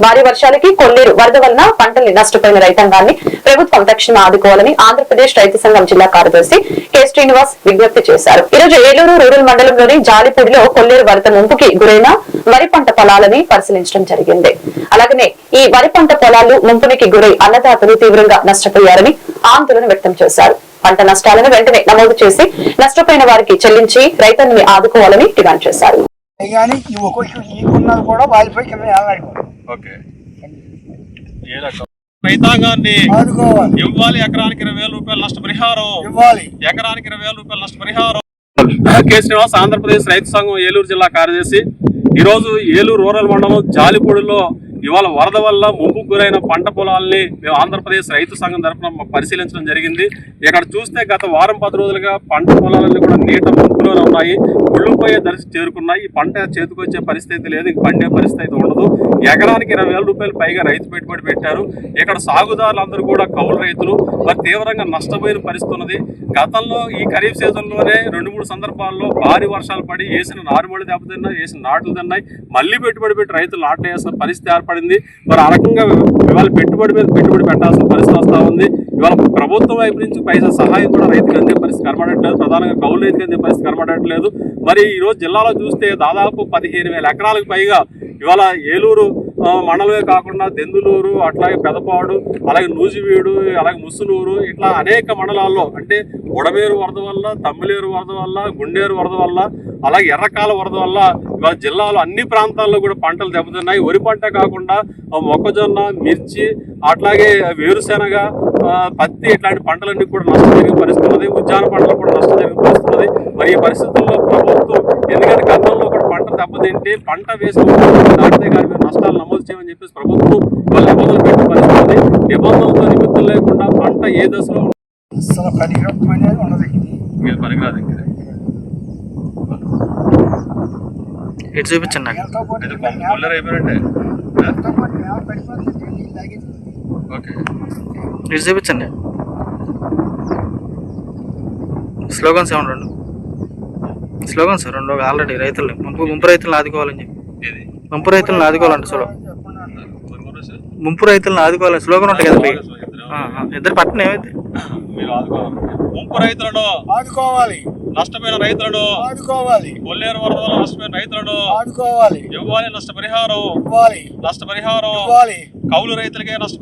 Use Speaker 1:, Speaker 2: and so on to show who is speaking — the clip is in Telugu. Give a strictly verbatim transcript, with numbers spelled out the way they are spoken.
Speaker 1: భారీ వర్షాలకి కొల్లేరు వరద వలన పంటల్ని నష్టపోయిన రైతాంగాన్ని ప్రభుత్వం తక్షణం ఆదుకోవాలని ఆంధ్రప్రదేశ్ రైతు సంఘం జిల్లా కార్యదర్శి కె శ్రీనివాస్ విజ్ఞప్తి చేశారు. ఈ రోజు ఏలూరు రూరల్ మండలంలోని జాలిపూడిలో కొల్లేరు వరద ముంపుకి గురైన వరి పంట పొలాలని పరిశీలించడం జరిగింది. అలాగనే ఈ వరి పంట పొలాలు ముంపునికి గురై అన్నదాతలు తీవ్రంగా నష్టపోయారని ఆందోళన వ్యక్తం చేశారు. పంట నష్టాలను వెంటనే నమోదు చేసి నష్టపోయిన వారికి చెల్లించి రైతుల్ని ఆదుకోవాలని డిమాండ్ చేశారు.
Speaker 2: రైతాంగాన్ని ఇవ్వాలి, ఎకరానికి ఇరవై వేల రూపాయల నష్టపరిహారం ఎకరానికి ఇరవై వేల రూపాయల నష్టపరిహారం. కె శ్రీనివాస్, ఆంధ్రప్రదేశ్ రైతు సంఘం ఏలూరు జిల్లా కార్యదర్శి. ఈరోజు ఏలూరు రూరల్ మండలం జాలిపూడిలో ఇవాళ వరద వల్ల ముంపుకు గురైన పంట పొలాల్ని మేము ఆంధ్రప్రదేశ్ రైతు సంఘం తరఫున పరిశీలించడం జరిగింది. ఇక్కడ చూస్తే గత వారం పది రోజులుగా పంట పొలాలన్నీ కూడా నీట ముంపులోనే ఉన్నాయి, కుళ్ళిపోయే దశ చేరుకున్నాయి. ఈ పంట చేతికొచ్చే పరిస్థితి లేదు, ఇంక పండే పరిస్థితి ఉండదు. ఎకరానికి ఇరవై వేల రూపాయలు పైగా రైతు పెట్టుబడి పెట్టారు. ఇక్కడ సాగుదారులందరూ కూడా కౌలు రైతులు మరి తీవ్రంగా నష్టపోయిన పరిస్థితి ఉన్నది. గతంలో ఈ ఖరీఫ్ సీజన్లోనే రెండు మూడు సందర్భాల్లో భారీ వర్షాలు పడి వేసిన నారుమడి దెబ్బతిన్నాయి, వేసిన నాట్లు తిన్నాయి, మళ్ళీ పెట్టుబడి పెట్టి రైతులు నాట్లు వేసిన పరిస్థితి ఏర్పడింది. మరి ఆ రకంగా ఇవాళ పెట్టుబడి మీద పెట్టుబడి పెట్టాల్సిన పరిస్థితి వస్తూ ఉంది. ఇవాళ ప్రభుత్వం వైపు నుంచి పైసా సహాయం కూడా రైతుకు అందే పరిస్థితి కనబడట్లేదు, ప్రధానంగా కౌలు రైతుకు అందే పరిస్థితి కనబడట్లేదు. మరి ఈరోజు జిల్లాలో చూస్తే దాదాపు పదిహేను వేల ఎకరాలకు పైగా ఇవాళ ఏలూరు మండలమే కాకుండా దెందులూరు, అట్లాగే పెదపాడు, అలాగే నూజివీడు, అలాగే ముసునూరు, ఇట్లా అనేక మండలాల్లో అంటే ఉడమేరు వరద వల్ల, తమ్మిలేరు వరద వల్ల, గుండేరు వరద వల్ల, అలాగే ఎర్రకాల వరద వల్ల ఇవాళ జిల్లాలో అన్ని ప్రాంతాల్లో కూడా పంటలు దెబ్బతిన్నాయి. వరి పంట కాకుండా మొక్కజొన్న, మిర్చి, అట్లాగే వేరుశెనగ, పత్తి ఇట్లాంటి పంటలన్నీ కూడా నష్టం జరిగే పరిస్థితి ఉన్నది. ఉద్యాన పంటలు కూడా నష్టం జరిగే పరిస్థితి ఉన్నది. మరి ఈ పరిస్థితుల్లో ప్రభుత్వం ఎందుకంటే గతంలో కూడా పంట దెబ్బతింటే పంట వేసుకుంటే దాటితే కానీ మీరు నష్టాలు నమోదు చేయమని చెప్పేసి ప్రభుత్వం వాళ్ళ నిబంధనలు పెట్టే పరిస్థితి ఉంది. నిబంధనలతో నిమిత్తం లేకుండా పంట ఏ దశలో పనికిరాదు.
Speaker 3: ఇటు చూపించండి నాకు. ఇటు చూపించండి. స్లోగన్స్ ఏమన్నా రెండు స్లోగన్స్ రెండు ఆల్రెడీ రైతులు ముంపు ముంపు రైతులను ఆదుకోవాలని చెప్పి ముంపు రైతులను ఆదుకోవాలంటే స్లో ముంపు రైతులను ఆదుకోవాలని స్లోగన్ ఉంటాయి కదా. ఇద్దరు పట్టణ ఏమైతే
Speaker 2: ముంపు రైతులను ఆదుకోవాలి, నష్టపోయిన రైతులను ఆదుకోవాలి, కొల్లేరు వరద వల్ల నష్టపోయిన రైతులను ఆదుకోవాలి, ఇవ్వాలి నష్టపరిహారం, నష్టపరిహారం కౌలు రైతులకే నష్టపరిహారం.